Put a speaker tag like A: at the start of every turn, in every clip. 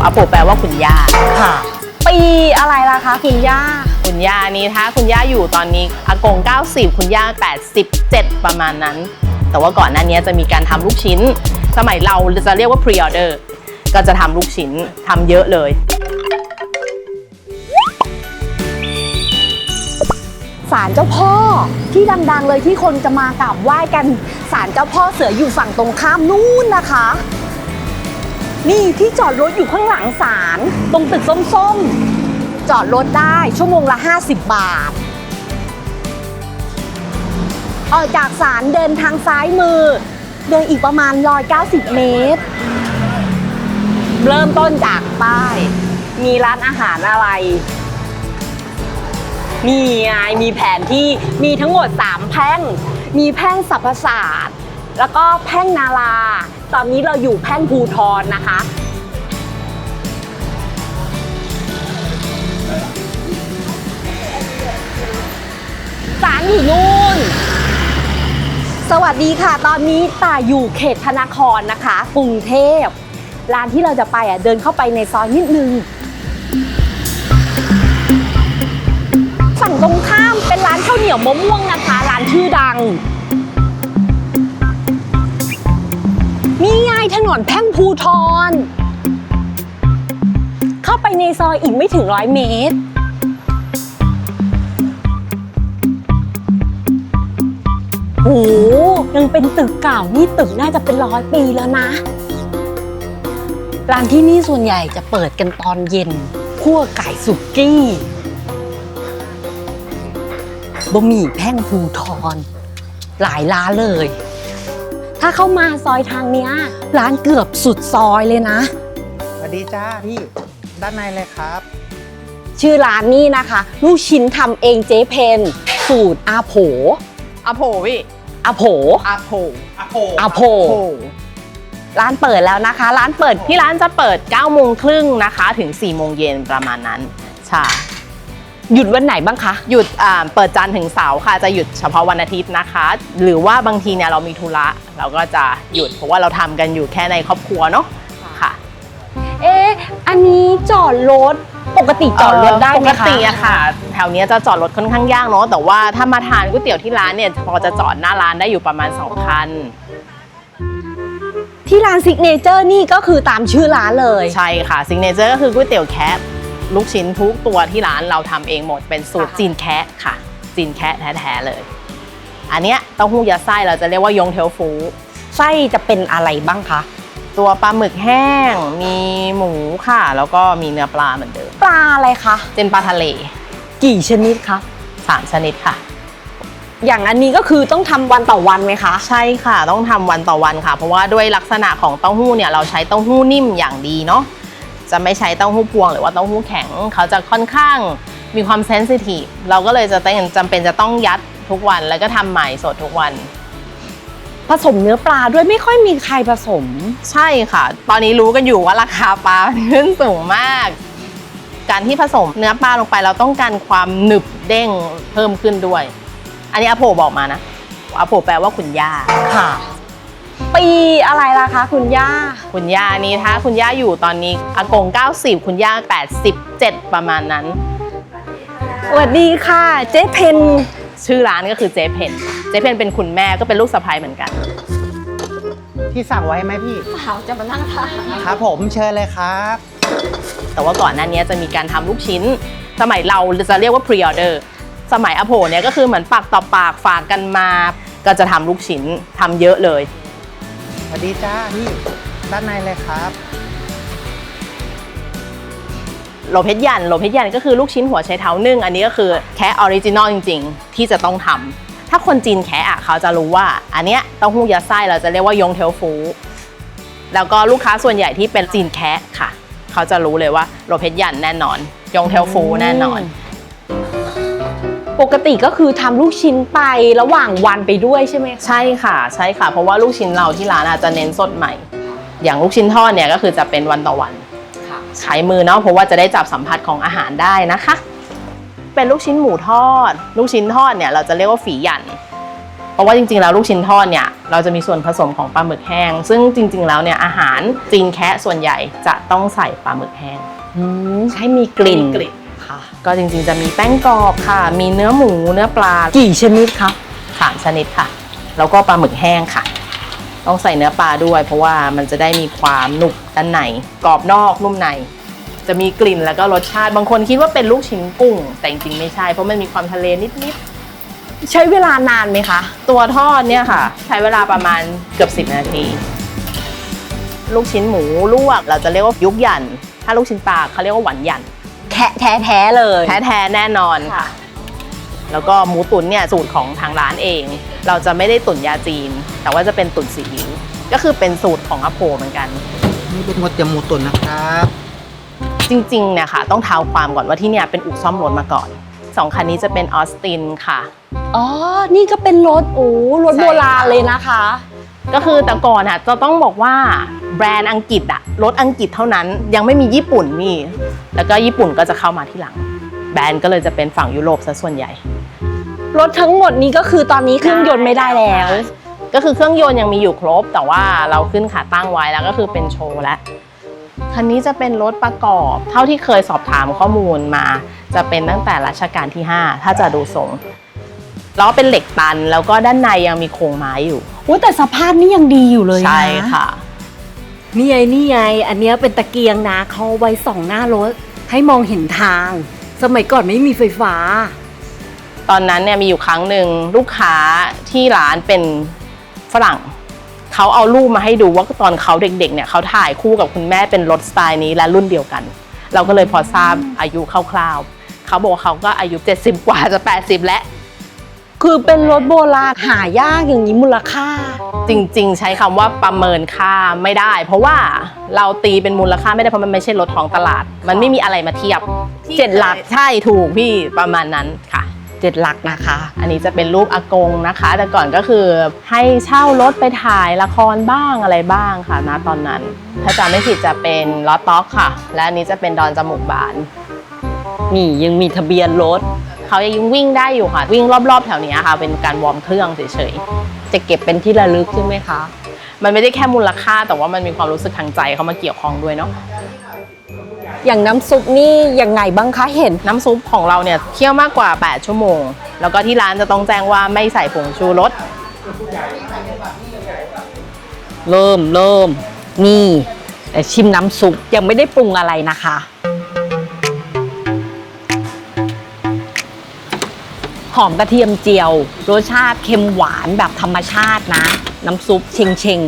A: อาโปแปลว่าคุณย่า
B: ค่ะปีอะไรล่ะคะคุณย่า
A: คุณย่านี้ถ้าคุณย่าอยู่ตอนนี้อากง90คุณย่า87ประมาณนั้นแต่ว่าก่อนหน้านี้จะมีการทำลูกชิ้นสมัยเราจะเรียกว่า pre order ก็จะทำลูกชิ้นทำเยอะเลย
B: ศาลเจ้าพ่อที่ดังๆเลยที่คนจะมากราบไหว้กันศาลเจ้าพ่อเสืออยู่ฝั่งตรงข้ามนู่นนะคะนี่ที่จอดรถอยู่ข้างหลังศาลตรงตึกส้มๆจอดรถได้ชั่วโมงละ50 บาทออกจากศาลเดินทางซ้ายมือเดินอีกประมาณ190 เมตรเริ่มต้นจากป้ายมีร้านอาหารอะไรนี่ไงมีแผนที่มีทั้งหมด3แพร่งมีแพร่งสรรพศาสตร์แล้วก็แพร่งนาราตอนนี้เราอยู่แพร่งภูธรนะคะศาลอยู่นู่นสวัสดีค่ะตอนนี้ต่าอยู่เขตธนาครนะคะกรุงเทพร้านที่เราจะไปเดินเข้าไปในซอยนิดนึงฝั่งตรงข้ามเป็นร้านข้าวเหนียวมะม่วงนะคะร้านชื่อดังนี่ไงถนนแพ่งภูธรเข้าไปในซอยอีกไม่ถึง100 เมตรโอ้ยังเป็นตึกเก่านี่ตึกน่าจะเป็น100 ปีแล้วนะร้านที่นี่ส่วนใหญ่จะเปิดกันตอนเย็นคั่วไก่สุกี้บะหมี่แพ่งภูธรหลายร้านเลยถ้าเข้ามาซอยทางเนี้ยร้านเกือบสุดซอยเลยนะ
C: สวัสดีจ้าพี่ด้านในเลยครับ
B: ชื่อร้านนี่นะคะลูกชิ้นทำเองเจ๊เพนสูตรอาโผ
A: อาโผพี่
B: อาโผ
A: อาโผ
B: อาโผร้านเปิดแล้วนะคะร้านเปิด
A: ที่ร้านจะเปิด9 โมงครึ่งนะคะถึง4 โมงเย็นประมาณนั้นใช่
B: หยุดวันไหนบ้างคะ
A: หยุดเปิดจันทร์ถึงเสาร์ค่ะจะหยุดเฉพาะวันอาทิตย์นะคะหรือว่าบางทีเนี่ยเรามีธุระเราก็จะหยุดเพราะว่าเราทำกันอยู่แค่ในครอบครัวเนาะค่ะ
B: อันนี้จอดรถปกติจอดรถได้ไหมคะ
A: ปกติอะค่ะแถวนี้จะจอดรถค่อนข้างยากเนาะแต่ว่าถ้ามาทานก๋วยเตี๋ยวที่ร้านเนี่ยพอจะจอดหน้าร้านได้อยู่ประมาณ2 คัน
B: ที่ร้านซิกเนเจอร์นี่ก็คือตามชื่อร้านเลย
A: ใช่ค่ะซิกเนเจอร์ก็คือก๋วยเตี๋ยวแคะลูกชิ้นทุกตัวที่ร้านเราทำเองหมดเป็นสูตรจีนแคะค่ะจีนแคะแท้ๆเลยอันเนี้ยเต้าหู้ยัดไส้เราจะเรียกว่ายงเทลฟู
B: ไส้จะเป็นอะไรบ้างคะ
A: ตัวปลาหมึกแห้งมีหมูค่ะแล้วก็มีเนื้อปลาเหมือนเดิม
B: ปลาอะไรคะ
A: เป็นปลาทะเล
B: กี่ชนิดคะ
A: 3 ชนิดค่ะ
B: อย่างอันนี้ก็คือต้องทำวันต่อวันไหมคะ
A: ใช่ค่ะต้องทำวันต่อวันค่ะเพราะว่าด้วยลักษณะของเต้าหู้เนี่ยเราใช้เต้าหู้นิ่มอย่างดีเนาะจะไม่ใช้เต้าหู้พวงหรือว่าเต้าหู้แข็งเขาจะค่อนข้างมีความเซนซิทีฟเราก็เลยจำเป็นจะต้องยัดทุกวันแล้วก็ทำใหม่สดทุกวัน
B: ผสมเนื้อปลาด้วยไม่ค่อยมีใครผสม
A: ใช่ค่ะตอนนี้รู้กันอยู่ว่าราคาปลาขึ้นสูงมากการที่ผสมเนื้อปลาลงไปเราต้องการความหนึบเด้งเพิ่มขึ้นด้วยอันนี้อาโผบอกมานะอาโผแปลว่าคุณย่า
B: ค่ะปีอะไรล่ะคะคุณย่า
A: คุณย่านี้ถ้าคุณย่าอยู่ตอนนี้อากง90คุณย่า87ประมาณนั้น
B: สวัสดีค่ะเจ๊เพน
A: ชื่อร้านก็คือเจ๊เพนเป็นคุณแม่ก็เป็นลูกสะใภ้เหมือนกัน
C: ที่สั่งไว้ไหมพี่
B: เขาจะมานั่งทาน
C: ครับผมเชิญเลยครับ
A: แต่ว่าก่อนหน้านี้จะมีการทำลูกชิ้นสมัยเราจะเรียกว่า pre order สมัยอาโผเนี่ยก็คือเหมือนปากต่อปากฝากกันมาก็จะทำลูกชิ้นทำเยอะเลย
C: สวัสดีจ้าพี่ด้านในเลยครับ
A: โลเพชรยันก็คือลูกชิ้นหัวไชเท้านึ่งอันนี้ก็คือแค่ออริจินอลจริงๆที่จะต้องทำถ้าคนจีนแค่เขาจะรู้ว่าอันเนี้ยเต้าหู้ยัดไส้เราจะเรียกว่ายงเทลฟูแล้วก็ลูกค้าส่วนใหญ่ที่เป็นจีนแคะค่ะเขาจะรู้เลยว่าโลเพชรยันแน่นอนยงเทลฟูแน่นอน
B: ปกติก็คือทำลูกชิ้นไประหว่างวันไปด้วยใช่ไหม
A: ใช่ค่ะเพราะว่าลูกชิ้นเราที่ร้านอาจจะเน้นสดใหม่อย่างลูกชิ้นทอดเนี่ยก็คือจะเป็นวันต่อวันใช้มือเนาะเพราะว่าจะได้จับสัมผัสของอาหารได้นะคะเป็นลูกชิ้นหมูทอดลูกชิ้นทอดเนี่ยเราจะเรียกว่าฝีหยันเพราะว่าจริงๆแล้วลูกชิ้นทอดเนี่ยเราจะมีส่วนผสมของปลาหมึกแห้งซึ่งจริงๆแล้วเนี่ยอาหารจีนแคะส่วนใหญ่จะต้องใส่ปลาหมึกแห้ง
B: ให้มีกลิ่น
A: ค่ะก็จริงๆจะมีแป้งกรอบค่ะมีเนื้อหมูเนื้อปลา
B: กี่ชนิดคะ
A: 3 ชนิดค่ะแล้วก็ปลาหมึกแห้งค่ะต้องใส่เนื้อปลาด้วยเพราะว่ามันจะได้มีความหนุบด้านในกรอบนอกนุ่มในจะมีกลิ่นแล้วก็รสชาติบางคนคิดว่าเป็นลูกชิ้นกุ้งแต่จริงๆไม่ใช่เพราะมันมีความทะเลนิดๆ
B: ใช้เวลานานไหมคะ
A: ตัวทอดเนี่ยค่ะใช้เวลาประมาณเกือบ10 นาที ลูกชิ้นหมูลวกเราจะเรียกว่ายุกหยันถ้าลูกชิ้นปลาเขาเรียกว่าหวานหยัน
B: แท้เลย
A: แท้ๆแน่นอนค่ะ แล้วก็หมูตุ๋นเนี่ยสูตรของทางร้านเอง เราจะไม่ได้ตุ๋นยาจีน แต่ว่าจะเป็นตุ๋นซีอิ๊วก็คือเป็นสูตรของอาโปเหมือนกัน
C: นี่เป็นก๋วยเตี๋ยวหมูตุ๋นนะครับ
A: จริงๆเนี่ยค่ะต้องเท้าความก่อนว่าที่เนี่ยเป็นอู่ซ่อมรถมาก่อน2 คันนี้จะเป็นออสตินค่ะ
B: อ๋อ นี่ก็เป็นรถรถ
A: ใช่
B: โบราณเลยนะคะ
A: ก็คือแต่ก่อนอ่ะจะต้องบอกว่าแบรนด์อังกฤษอะรถอังกฤษเท่านั้นยังไม่มีญี่ปุ่นนี่แล้วก็ญี่ปุ่นก็จะเข้ามาที่หลัง แบรนด์ก็เลยจะเป็นฝั่งยุโรปซะส่วนใหญ่
B: รถทั้งหมดนี้ก็คือตอนนี้เครื่องยนต์ไม่ได้แล้ว
A: ก็คือเครื่องยนต์ยังมีอยู่ครบ แต่ว่าเราขึ้นขาตั้งไว้แล้วก็คือเป็นโชว์แล้วคันนี้จะเป็นรถประกอบเท่าที่เคยสอบถามข้อมูลมาจะเป็นตั้งแต่รัชกาลที่ 5 ถ้าจะดูทรงล้อเป็นเหล็กตันแล้วก็ด้านในยังมีโครงไม้อยู่
B: แต่สภาพนี่ยังดีอยู่เลยนะ
A: ใช่ค่ะ
B: นี่ไง อันเนี้ยเป็นตะเกียงนะเขาเอาไว้ส่องหน้ารถให้มองเห็นทาง สมัยก่อนไม่มีไฟฟ้า
A: ตอนนั้นเนี่ยมีอยู่ครั้งหนึ่งลูกค้าที่ร้านเป็นฝรั่งเขาเอารูปมาให้ดูว่าตอนเขาเด็กๆเนี่ยเขาถ่ายคู่กับคุณแม่เป็นรถสไตล์นี้และรุ่นเดียวกัน เราก็เลยพอทราบอายุคร่าวๆเขาบอกว่าเขาก็อายุ70 กว่าจะ80แล้ว
B: คือเป็นรถโบราณหายากอย่างนี้มูลค่า
A: จริงๆใช้คำว่าประเมินค่าไม่ได้ เพราะว่าเราตีเป็นมูลค่าไม่ได้เพราะมันไม่ใช่รถท้องตลาด มันไม่มีอะไรมาเทียบ
B: 7 หลัก
A: ใช่ถูกพี่ประมาณนั้นค่ะ
B: 7 หลักนะคะ
A: อันนี้จะเป็นรูปอากงนะคะ แต่ก่อนก็คือให้เช่ารถไปถ่ายละครบ้างอะไรบ้างค่ะนะตอนนั้น ถ้าจำไม่ผิดจะเป็นล้อต๊อกค่ะ และอันนี้จะเป็นดอนจมูกบาน
B: นี่ยังมีทะเบียนรถ
A: เขายังวิ่งได้อยู่ค่ะ วิ่งรอบๆแถวนี้ค่ะ เป็นการวอร์มเครื่องเฉย
B: จะเก็บเป็นที่ระลึกใช่ไหมคะ
A: ๆ มันไม่ได้แค่มูลค่าแต่ว่ามันมีความรู้สึกทางใจเข้ามาเกี่ยวข้องด้วยเนาะ
B: อย่างน้ำซุปนี่ยังไงบ้างคะเห็น
A: น้ำซุปของเราเนี่ยเคี่ยวมากกว่า8 ชั่วโมง แล้วก็ที่ร้านจะต้องแจ้งว่าไม่ใส่ผงชูรส
B: เริ่มนี่แต่ชิมน้ำซุปยังไม่ได้ปรุงอะไรนะคะ หอมกระเทียมเจียวรสชาติเค็มหวานแบบธรรมชาตินะ น้ำซุปเชง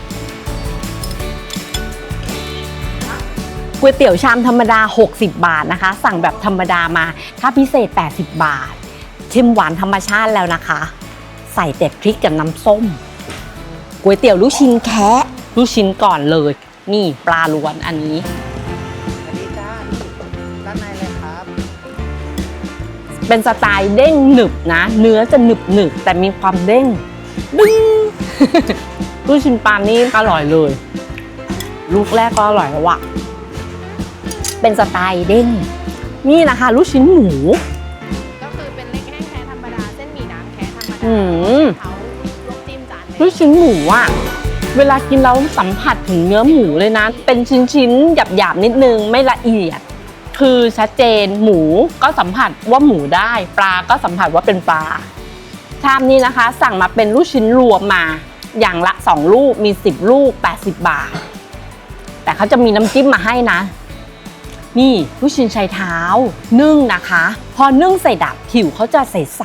B: ก๋วยเตี๋ยวชามธรรมดา60 บาทนะคะ สั่งแบบธรรมดามาถ้าพิเศษ80 บาทเค็มหวานธรรมชาติแล้วนะคะ ใส่แต่พริกกับน้ำส้มก๋วยเตี๋ยวลูกชิ้นแคะลูกชิ้นก่อนเลย นี่ปลาล้วนอันนี้
C: สวัสดีจ้าด้านในเลยครับ
B: เป็นสไตล์เด้งหนึบนะ เนื้อจะหนึบแต่มีความเด้งดึง ลูกชิ้นปลานี่อร่อยเลย ลูกแรกก็อร่อยแล้วอะเป็นสไตล์เด้งนี่นะคะลูกชิ้นหมู
A: ก็คือเป็นเล็กแห้งแท้ธรรมดาเส้นหมี่น้ำแท้ธรรมดา
B: อืม
A: เขาลวกจิ้มจาน
B: ลูกชิ้นหมูอะเวลากินเราสัมผัสถึงเนื้อหมูเลยนะ เป็นชิ้นๆหยาบๆนิดนึงไม่ละเอียด คือชัดเจนหมูก็สัมผัสว่าหมูได้ปลาก็สัมผัสว่าเป็นปลาชามนี้นะคะ สั่งมาเป็นลูกชิ้นรวมมาอย่างละ2 ลูกมี10 ลูก80 บาท แต่เขาจะมีน้ำจิ้มมาให้นะ นี่ลูกชิ้นชายเท้านึ่งนะคะ พอนึ่งใส่ดับผิวเขาจะใส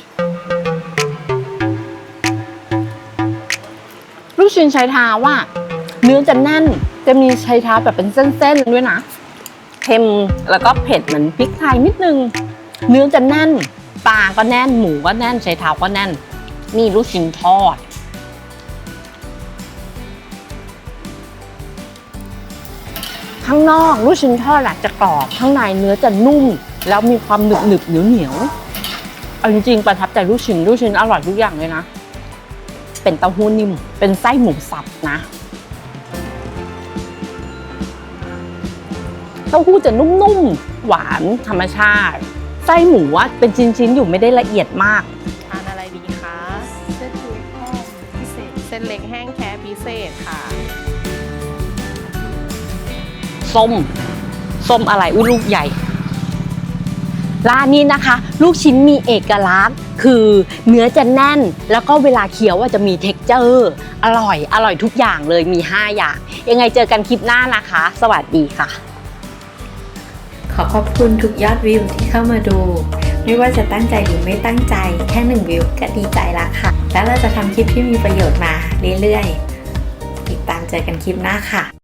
B: ๆลูกชิ้นชายเท้าว่าเนื้อจะแน่นจะมีชายเท้าแบบเป็นเส้นๆด้วยนะเค็มแล้วก็เผ็ดเหมือนพริกไทยนิดนึงเนื้อจะแน่นปลาก็แน่นหมูก็แน่นชายเท้าก็แน่นนี่ลูกชิ้นทอดข้างนอกลูกชิ้นทอดจะกรอบข้างในเนื้อจะนุ่มแล้วมีความหนึบเหนียวเอาจริงๆประทับใจลูกชิ้นอร่อยทุกอย่างเลยนะเป็นเต้าหู้นิ่มเป็นไส้หมูสับนะเต้าหู้จะนุ่มๆหวานธรรมชาติไส้หมูเป็นชิ้นๆอยู่ไม่ได้ละเอียดมาก
A: ทานอะไรดีคะส้นเล็กแห้งแค่พิเศษค่ะ
B: ส้มอะไรอุ้ยลูกใหญ่ร้านนี้นะคะ ลูกชิ้นมีเอกลักษณ์คือเนื้อจะแน่นแล้วก็เวลาเคี้ยวจะมีเท็กเจอร์อร่อยทุกอย่างเลยมี5อย่างยังไงเจอกันคลิปหน้านะคะ สวัสดีค่ะ
D: ขอขอบคุณทุกยอดวิวที่เข้ามาดู ไม่ว่าจะตั้งใจหรือไม่ตั้งใจแค่1วิวก็ดีใจละค่ะ แล้วเราจะทำคลิปที่มีประโยชน์มาเรื่อยๆติดตามเจอกันคลิปหน้าค่ะ